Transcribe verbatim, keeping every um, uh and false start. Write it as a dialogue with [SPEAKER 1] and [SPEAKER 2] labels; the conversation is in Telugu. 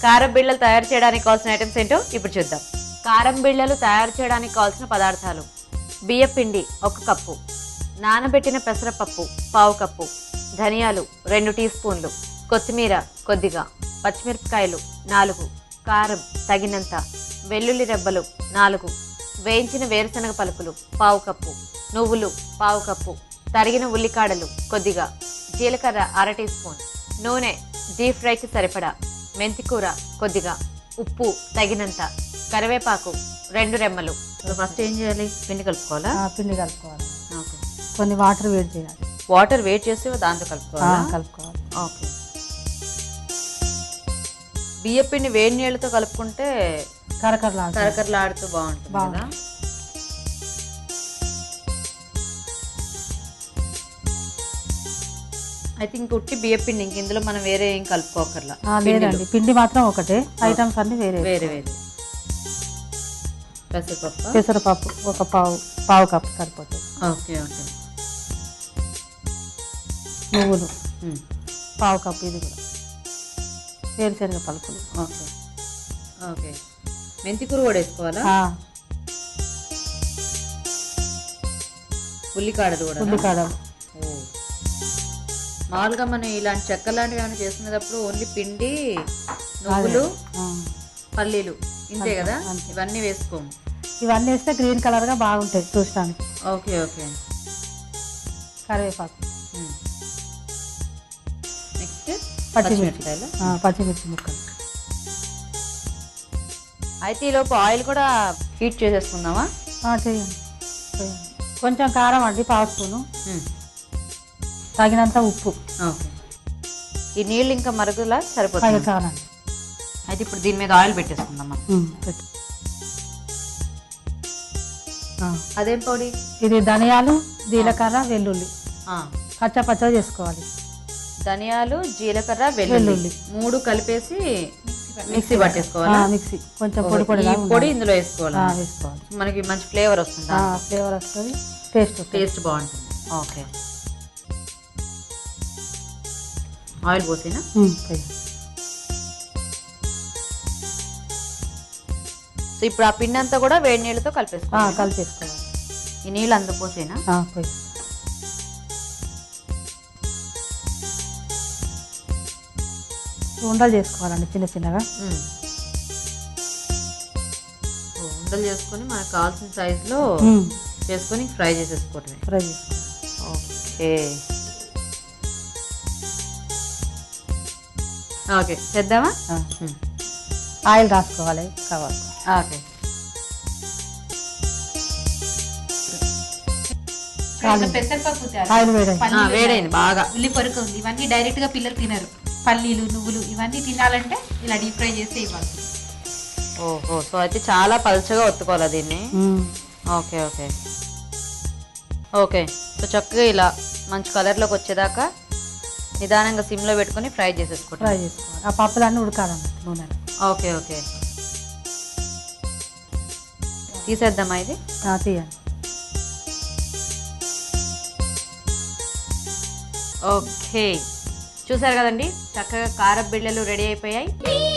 [SPEAKER 1] కారం బిళ్ళలు తయారు చేయడానికి కావాల్సిన ఐటమ్స్ ఏంటో ఇప్పుడు చూద్దాం. కారం బిళ్ళలు తయారు చేయడానికి కావాల్సిన పదార్థాలు: బియ్య పిండి ఒక కప్పు, నానబెట్టిన పెసరపప్పు పావు కప్పు, ధనియాలు రెండు టీ స్పూన్లు, కొత్తిమీర కొద్దిగా, పచ్చిమిరపకాయలు నాలుగు, కారం తగినంత, వెల్లుల్లి రెబ్బలు నాలుగు, వేయించిన వేరుశనగ పలుకులు పావు కప్పు, నువ్వులు పావు కప్పు, తరిగిన ఉల్లికాడలు కొద్దిగా, జీలకర్ర అర టీ స్పూన్, నూనె డీప్ ఫ్రైకి సరిపడా, మెంతికూర కొద్దిగా, ఉప్పు తగినంత, కరివేపాకు రెండు రెమ్మలు. ఫస్ట్ ఏం చేయాలి? పిండి కలుపుకోవాలా?
[SPEAKER 2] పిండి కలుపుకోవాలి.
[SPEAKER 1] ఓకే.
[SPEAKER 2] కొన్ని వాటర్ వేడి చేయాలి.
[SPEAKER 1] వాటర్ వేడి చేసి దాంతో కలుపుకోవాలి.
[SPEAKER 2] కలుపుకోవాలి.
[SPEAKER 1] ఓకే. బియ్య పిండి వేడి నీళ్ళతో కలుపుకుంటే
[SPEAKER 2] కరకరలాడు
[SPEAKER 1] కరకరలాడుతూ బాగుంటుంది కదా. ఐ థింక్ ఉట్టి బియ్య పిండి, ఇంక ఇందులో మనం వేరే ఏం కలుపుకోకర్లా.
[SPEAKER 2] లేదండి, పిండి మాత్రం ఒకటే, ఐటమ్స్ అన్ని వేరే
[SPEAKER 1] వేరే వేరే. పెసరపప్పు
[SPEAKER 2] పెసరపప్పు ఒక పావు పావు కప్పు సరిపోతుంది.
[SPEAKER 1] Okay okay.
[SPEAKER 2] నువ్వులు పావు కప్పు, ఇది కూడా వేరుశనగ పలుకులు.
[SPEAKER 1] Okay okay. మెంతికూర కూడా వేసుకోవాలా? ఉల్లికాడలు కూడా.
[SPEAKER 2] ఉల్లికాడలు.
[SPEAKER 1] మామూలుగా మనం ఇలాంటి చెక్క లాంటివి ఏమైనా చేసుకునేటప్పుడు ఓన్లీ పిండి, నువ్వులు, పల్లీలు ఇంతే కదా, ఇవన్నీ వేసుకోము.
[SPEAKER 2] ఇవన్నీ వేస్తే గ్రీన్ కలర్ గా బాగుంటాయి చూడటానికి.
[SPEAKER 1] Okay okay.
[SPEAKER 2] కరివేపాకు,
[SPEAKER 1] నెక్స్ట్
[SPEAKER 2] పచ్చిమిరపకాయలు, పచ్చిమిర్చి ముక్కలు.
[SPEAKER 1] అయితే ఈలోపు ఆయిల్ కూడా హీట్ చేసేసుకుందామా?
[SPEAKER 2] చేయండి చేయండి. కొంచెం కారం అండి పావు స్పూను, తగినంత ఉప్పు.
[SPEAKER 1] ఓకే. ఈ నీళ్ళు ఇంకా మరుగులా సరిపోతుంది.
[SPEAKER 2] చాలండి.
[SPEAKER 1] అయితే ఇప్పుడు దీని మీద ఆయిల్ పెట్టేసుకుందామా? అదేం పొడి?
[SPEAKER 2] ఇది ధనియాలు, జీలకర్ర, వెల్లుల్లి పచ్చ పచ్చ చేసుకోవాలి.
[SPEAKER 1] ధనియాలు, జీలకర్ర, వెల్లుల్లి మూడు కలిపేసి మిక్సీ పట్టేసుకోవాలి.
[SPEAKER 2] మిక్సీ కొంచెం పొడి పొడి
[SPEAKER 1] పొడి ఇందులో వేసుకోవాలి.
[SPEAKER 2] వేసుకోవాలి.
[SPEAKER 1] మనకి మంచి ఫ్లేవర్ వస్తుంది.
[SPEAKER 2] ఫ్లేవర్ వస్తుంది, టేస్ట్
[SPEAKER 1] టేస్ట్ బాగుంటుంది. ఓకే. ఆయిల్ పోసేనా? సో ఇప్పుడు ఆ పిండి అంతా కూడా వేడి నీళ్ళతో కలిపేసుకోవాలి.
[SPEAKER 2] కలిపేసుకోవాలి.
[SPEAKER 1] ఈ నీళ్ళు అంత పోసేనా?
[SPEAKER 2] ఉండలు చేసుకోవాలండి చిన్న చిన్నగా.
[SPEAKER 1] ఉండలు చేసుకొని మనకు కావాల్సిన సైజులో చేసుకొని ఫ్రై చేసేసుకోవటమే.
[SPEAKER 2] ఫ్రై చేసుకోవాలి.
[SPEAKER 1] Okay okay. చేద్దామా?
[SPEAKER 2] ఆయిల్ రాసుకోవాలి కావాలి.
[SPEAKER 1] ఓకే.
[SPEAKER 3] పెసరపప్పు
[SPEAKER 1] వేడైంది బాగా.
[SPEAKER 3] ఉల్లి పొరకు ఉంది. ఇవన్నీ డైరెక్ట్ గా పిల్లలు తినరు. పల్లీలు, నువ్వులు ఇవన్నీ తినాలంటే ఇలా డీప్ ఫ్రై చేస్తే ఇవ్వాలి.
[SPEAKER 1] ఓహో. సో అయితే చాలా పలుచగా ఒత్తుకోవాలి దీన్ని. Okay okay okay. సో చక్కగా ఇలా మంచి కలర్లోకి వచ్చేదాకా నిదానంగా సిమ్లో పెట్టుకొని ఫ్రై చేసేసుకోండి.
[SPEAKER 2] ఫ్రై చేసుకోవాలి. ఆ పప్పులన్నీ ఉడకాలన్నట్టు నూనెలో.
[SPEAKER 1] Okay okay. తీసేద్దామా ఇది?
[SPEAKER 2] తీయండి.
[SPEAKER 1] ఓకే. చూసారు కదండి, చక్కగా కారం బిళ్ళలు రెడీ అయిపోయాయి.